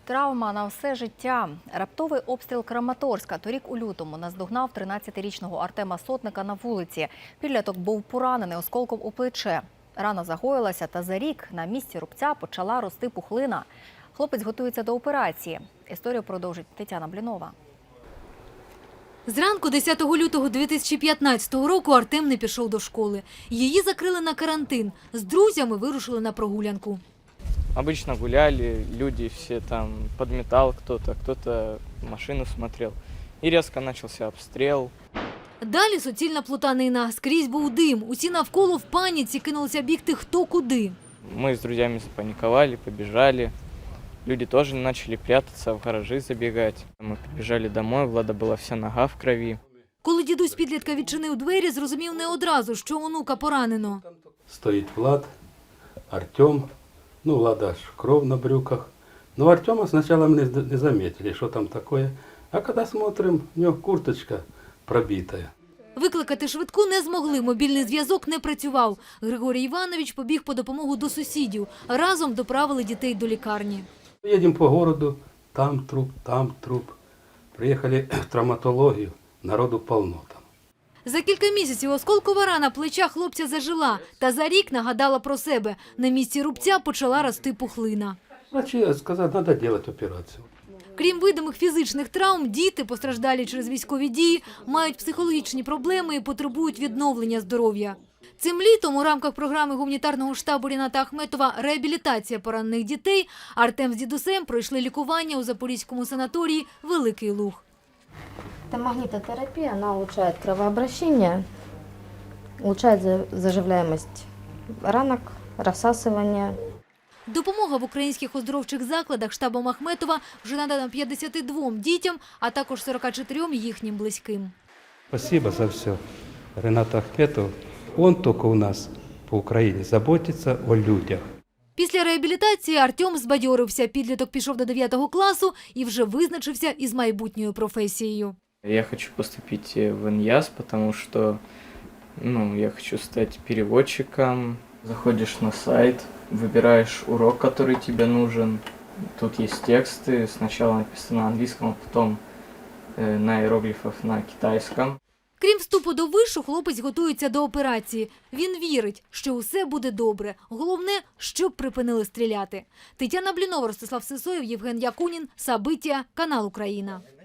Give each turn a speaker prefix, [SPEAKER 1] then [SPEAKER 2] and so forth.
[SPEAKER 1] Травма на все життя. Раптовий обстріл Краматорська торік у лютому наздогнав 13-річного Артема Сотника на вулиці. Підліток був поранений осколком у плече. Рана загоїлася, та за рік на місці рубця почала рости пухлина. Хлопець готується до операції. Історію продовжить Тетяна Блінова.
[SPEAKER 2] Зранку 10 лютого 2015 року Артем не пішов до школи. Її закрили на карантин. З друзями вирушили на прогулянку.
[SPEAKER 3] Обычно гуляли, люди все там подметал кто-то машину смотрел. И резко начался обстрел.
[SPEAKER 2] Далі суцільна плутанина. Скрізь був дим. Усі навколо в паніці кинулися бігти хто куди.
[SPEAKER 3] Мы с друзьями запаниковали, побежали. Люди тоже начали прятаться, в гаражи забегать. Мы побежали домой, Влада была вся нога в крови.
[SPEAKER 2] Коли дідусь підлітка відчинив двері, зрозумів не одразу, що онука поранено.
[SPEAKER 4] Стоит Влад, Артем. Влада аж кров на брюках. Но Артема сначала мы не заметили, что там такое. А когда смотрим, у него курточка пробитая.
[SPEAKER 2] Викликати швидку не змогли, мобільний зв'язок не працював. Григорій Іванович побіг по допомогу до сусідів. Разом доправили дітей до лікарні.
[SPEAKER 4] Едем по городу, там труп. Приехали в травматологию, народу полно там.
[SPEAKER 2] За кілька місяців осколкова рана плеча хлопця зажила. Та за рік нагадала про себе. На місці рубця почала рости пухлина.
[SPEAKER 4] Врачи сказали, надо делать операцию.
[SPEAKER 2] Крім видимих фізичних травм, діти, постраждалі через військові дії, мають психологічні проблеми і потребують відновлення здоров'я. Цим літом у рамках програми гуманітарного штабу Ріната Ахметова «Реабілітація поранених дітей» Артем з дідусем пройшли лікування у запорізькому санаторії «Великий Луг».
[SPEAKER 5] Это магнитотерапия, она улучшает кровообращение, улучшает заживляемость ранок, рассасывание.
[SPEAKER 2] Допомога в українських оздоровчих закладах штабом Ахметова вже надана 52 дітям, а також 44 їхнім близьким.
[SPEAKER 4] Спасибо за все. Ренат Ахметов, он только у нас по Украине заботится о людях.
[SPEAKER 2] Після реабілітації Артем збадьорився. Підліток пішов до 9 класу і вже визначився із майбутньою професією.
[SPEAKER 3] Я хочу поступить в ИНЯС, потому что я хочу стать переводчиком. Заходишь на сайт, выбираешь урок, который тебе нужен. Тут есть тексты, сначала написано на английском, а потом на иероглифах на китайском.
[SPEAKER 2] Крім вступу до вишу, хлопець готується до операції. Він вірить, що усе буде добре. Головне, щоб припинили стріляти. Тетяна Блінова, Ростислав Сисоєв, Євген Якунін, Сабиття, канал Україна.